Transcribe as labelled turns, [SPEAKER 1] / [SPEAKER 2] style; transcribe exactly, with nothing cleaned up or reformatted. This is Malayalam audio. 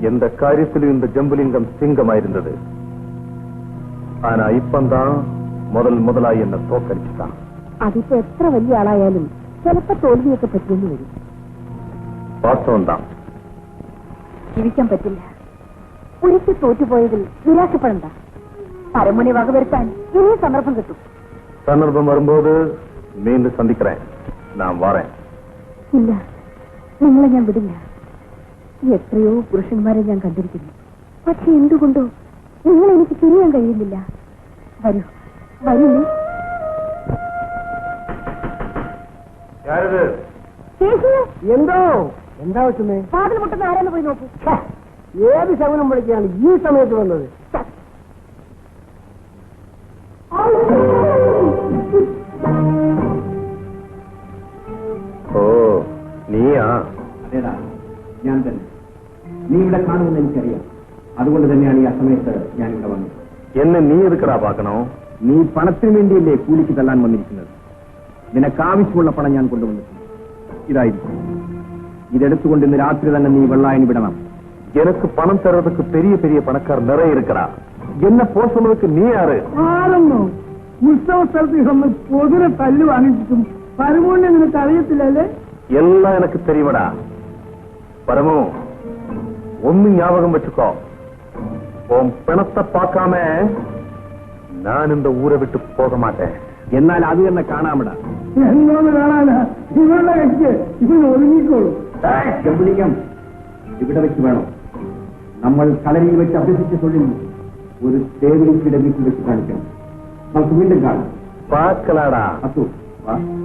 [SPEAKER 1] எந்த காரியத்திலும் இந்த ஜம்புலிங்கம் சிங்கமாயிருந்தது. ஆனா இப்பந்தான் முதல் முதலாய் என்ன தோக்கடிச்சுட்டான்.
[SPEAKER 2] അതിപ്പോ എത്ര വലിയ ആളായാലും ചിലപ്പോ തോൽവിയൊക്കെ പറ്റിയെന്ന് വരും.
[SPEAKER 1] വാസ്തവം தான்.
[SPEAKER 2] ജീവിക്കാൻ പറ്റില്ല. ഒരിക്കൽ തോറ്റുപോയതിൽ നിരാശപ്പെടണ്ട. പരമുനെ വകവരുത്താൻ ഇനിയും സന്ദർഭം കിട്ടും.
[SPEAKER 1] സന്ദർഭം വരുമ്പോൾ വീണ്ടും സന്ധിக்கிறேன். ഞാൻ വരാം.
[SPEAKER 2] ഇല്ല, നിങ്ങളെ ഞാൻ വിടില്ല. എത്രയോ പുരുഷന്മാരെ ഞാൻ കണ്ടിരിക്കുന്നു. പക്ഷെ എന്തുകൊണ്ടോ നിങ്ങൾ എനിക്ക് തിരിയാൻ കഴിയുന്നില്ല. വരൂ, വരൂ.
[SPEAKER 3] എന്തോ എന്താ വെച്ചേ?
[SPEAKER 2] വാതിൽ മുട്ടുന്ന ആരാന്ന് പോയി നോക്കൂ.
[SPEAKER 3] ഏത് ശകുനം വിളിക്കാണ് ഈ സമയത്ത് വന്നത്?
[SPEAKER 1] ഓ, നീയാ?
[SPEAKER 4] അതേടാ, ഞാൻ തന്നെ. നീ ഇവിടെ കാണുമെന്ന് എനിക്കറിയാം. അതുകൊണ്ട് തന്നെയാണ് ഈ അസമയത്ത് ഞാൻ ഇവിടെ വന്നത്.
[SPEAKER 1] എന്നെ നീ എതുക്കടാ പാക്കണോ?
[SPEAKER 4] നീ പണത്തിന് വേണ്ടിയല്ലേ കൂലിക്ക് തള്ളാൻ വന്നിരിക്കുന്നത്? നിനക്ക് ആവശ്യമുള്ള പണം ഞാൻ കൊണ്ടുവന്നിട്ടുണ്ട്. ഇതായിരിക്കും. ഇതെടുത്തുകൊണ്ട് ഇന്ന് രാത്രി തന്നെ നീ വെള്ളായണി വിടണം.
[SPEAKER 1] எனக்கு பணம் தர்றதுக்கு பெரிய பெரிய பணக்கார் நிறைய இருக்கிறா. என்ன போ சொன்னதுக்கு நீ யாரு?
[SPEAKER 3] ആരെന്നോ ഉത്സവ സ്ഥലത്ത് വന്ന് പൊതുരെ തല്ല് വാങ്ങിച്ചിട്ടും പരമോനെ നിനക്ക് അറിയത്തില്ലല്ലേ?
[SPEAKER 1] எல்லாம் எனக்கு தெரியுமடா. பரமு, ஒன்னு ஞாபகம் வச்சுக்கோ. உன் பணத்தை பார்க்காம நான் இந்த ஊரை விட்டு போக மாட்டேன்.
[SPEAKER 4] എന്നാൽ അത് തന്നെ കാണാമിടാ.
[SPEAKER 3] എന്നോന്ന് കാണാനാ? ഇവരുടെ വെച്ച് ഇവൻ ഒതുങ്ങിക്കോളൂ.
[SPEAKER 4] ജമ്പുലിംഗം, ഇവിടെ വെച്ച് വേണം. നമ്മൾ കളരിയിൽ വെച്ച് അഭ്യസിച്ച തൊഴിൽ ഒരു ടേബിളിൽ വീട്ടിൽ വെച്ച് കാണിക്കണം. നമുക്ക് വീണ്ടും കാണാം.
[SPEAKER 1] பார்க்கலாடா.
[SPEAKER 4] അസു വാ.